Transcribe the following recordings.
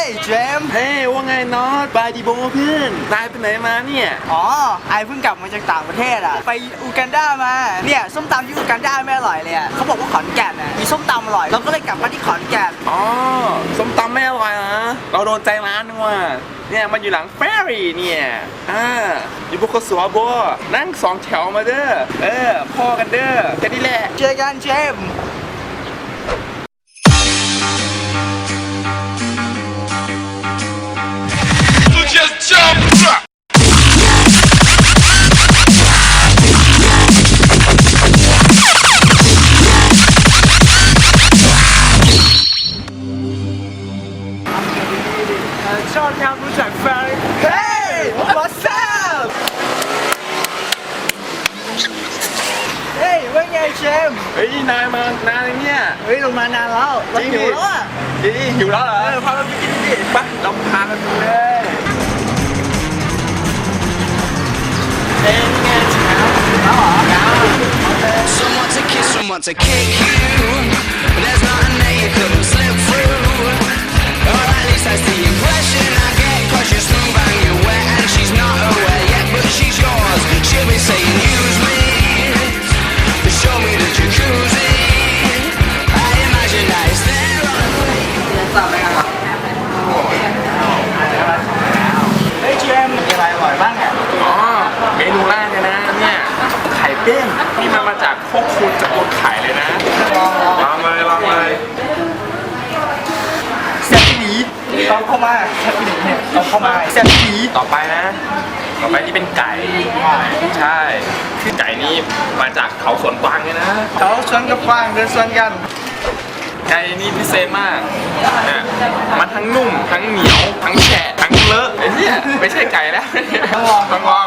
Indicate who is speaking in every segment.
Speaker 1: เจมส์
Speaker 2: เฮ้ยว่าไงน็อตบายดีโบเพื่อนนายไปไหนมาเนี่ย
Speaker 1: อ๋อไอเพิ่งกลับมาจากต่างประเทศอ่ะไปอูกันดามาเนี่ยส้มตำที่อูกันดาไม่อร่อยเลยอ่ะเขาบอกว่าขอนแก่นอ่ะมีส้มตำอร่อยเราก็เลยกลับมาที่ขอนแก่น
Speaker 2: อ๋อส้มตำไม่อร่อยนะเราโดนใจร้านนึงว่ะเนี่ยมันอยู่หลังเฟรรี่เนี่ยอยู่บนกระสวบัวนั่ง2 แถวมาเด้อพ่อกันเด้อแค่นี้แหละ
Speaker 1: เจอกันเจมส์ชอบทำรู้จักแฟนเฮ้ย what's up เฮ้ยว่าไงเจมส์
Speaker 2: เฮ้ยนายมานานเลยเนี่ย
Speaker 1: เฮ้ยลงมานานแล้วเราหิวแล้วอ่ะ
Speaker 2: หิวแล้วเหรอ
Speaker 1: พาเราไปกินดิ
Speaker 2: ไปเราพากันดูเลยเฮ้ยไงแล้วเหรอ
Speaker 3: Someone to kiss, someone to kick you. There's nothing that you couldn't slip through. Or at least that's the impression I get. Cause you're smooth and you're wet and she's not aware yet. But she's yours, she'll be saying use me. Show me the jacuzzi. I imagine that it's there on the way.
Speaker 1: สั่งอะไรกันครับเฮ้ยเจมส์มีอะไรอร่อยบ้างอ่ะ
Speaker 2: อ๋อเมนูแรกเลยนะเนี่ยไข่เด้งนี่มันมาจากพวกคุณตระกูลไข่เลยนะลองเลย
Speaker 1: แซ่บหนีต้องเข้ามาแซ่บหนีเนี่ยต้องเข้ามาแซ่บหนี
Speaker 2: ต่อไปที่เป็นไก่ใช่คือไก่นี่มาจากเขาสวนกวางเลยนะ
Speaker 1: เขาชวนกับฟางเดินชวนกัน
Speaker 2: ไก่นี่พิเศษมากเนี่ยมันทั้งนุ่มทั้งเหนียวทั้งแฉะทั้งเลอะไอ้เนี่ยไม่ใช่ไก่แล้วต้องลอง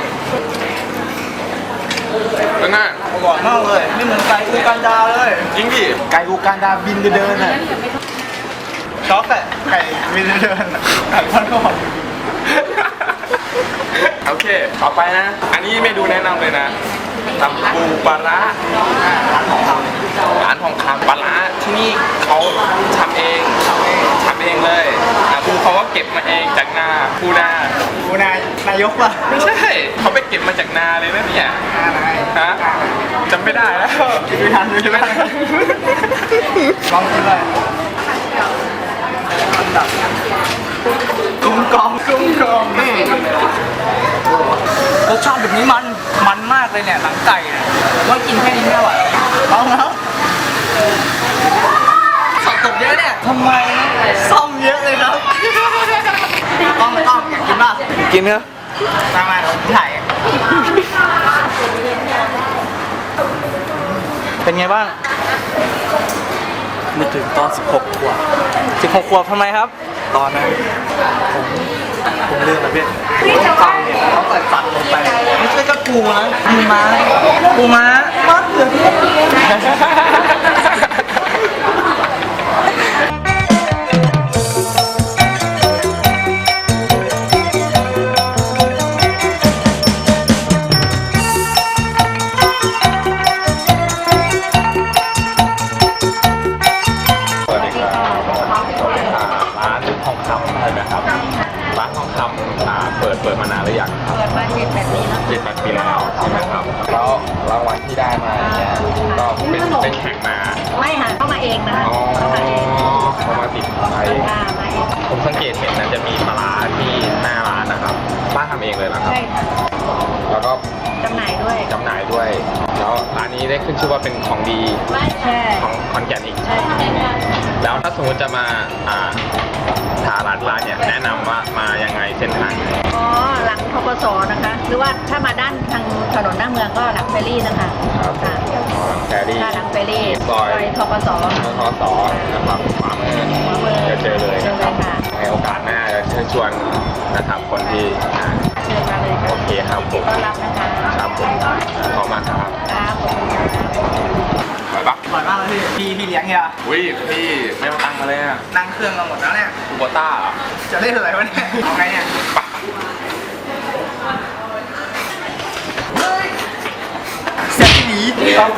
Speaker 2: เป็นไง
Speaker 1: อร่อยมากเลยไม่เหมือนไก่อูกันดาเลย
Speaker 2: จริงดิไก่อูกันดาบินเดินน่ะ
Speaker 1: ช็อกอะไก่บินเดินไก่ทอดกรอบ
Speaker 2: โอเคต่อไปนะอันนี้เมนูแนะนำเลยนะตำปูปลาร้าร้านทองคำปลาร้าที่นี่เขาทำเองเลยปูเขาก็เก็บมาเองจากนาปูน
Speaker 1: ายกป่ะ
Speaker 2: ไม่ใช่เขาไปเก็บมาจากนาเลยนะเนี่ยฮะจำไม่ได้แล้ว
Speaker 1: กินไม่ทันใช่ไหมลองกินเลยกุ้งกองรสชาติแบบนี้มันมากเลยเนี่ยหนังไก่เนี่ยว่ากินแค่นี้ไม่อร่อยลองแล้วสอบตกเยอะเนี่ยทำไมซ่อมเยอะเลยครับต้องอยากกินป่ะ
Speaker 2: กินเนอะ
Speaker 1: มาถ่ายเป็นไงบ้างนึกถึงตอน16 ขวบทำไมครับตอนนั้นผมเลือกนะพี่ฟังเนี่ยเขาใส่สัตว์ลงไปไม่ใช่ก็ปูนะปูม้ามัดเลย
Speaker 2: เปิดมานานหรือยัง
Speaker 4: เปิดมา7-8 ปีแล้ว
Speaker 2: 7-8 ปีแล้วใช่ไหมครับแล้วรางวัลที่ได้มาเนี่ยก็เป็นแข่งมา
Speaker 4: ไม่ค่ะเข้ามาเองนะคะ
Speaker 2: เขามาติดไปผมสังเกตเห็นนะจะมีปลาร้าที่หน้าร้านนะครับป้าทำเองเลยนะครับแล้วก็
Speaker 4: จำหน่ายด้วย
Speaker 2: แล้วร้านนี้ได้ขึ้นชื่อว่าเป็นของดีของขอนแก่นอีกแล้วถ้าสมมติจะมาหาร้านเนี่ยแนะนำว่ามายังไงเส้นทาง
Speaker 4: หลังทกศนะคะหรือว่าถ้ามาด้านทางถนนหน้าเมืองก็หลังเฟรรี่นะคะ
Speaker 2: หลังเฟรรี่
Speaker 4: ซอยทกศ
Speaker 2: นะครับขวามือจะเจอเลยนะครับในโอกาสหน้าจะเชิญชวนนะครับคนที่โอเคครับผมครับผมขอบคุณมากครับ
Speaker 1: อร่อยมากเลยพี่เลี้ยงเนี่ย
Speaker 2: อุ้ยพี่ไม่มาตังมาเลยอ่ะ
Speaker 1: นั่งเครื่องมาหมดแล้วเนี่ย
Speaker 2: คูโบต้า
Speaker 1: จะเล่นอะไรวะเนี่ยเอาไงเนี่ยแซ่บหนี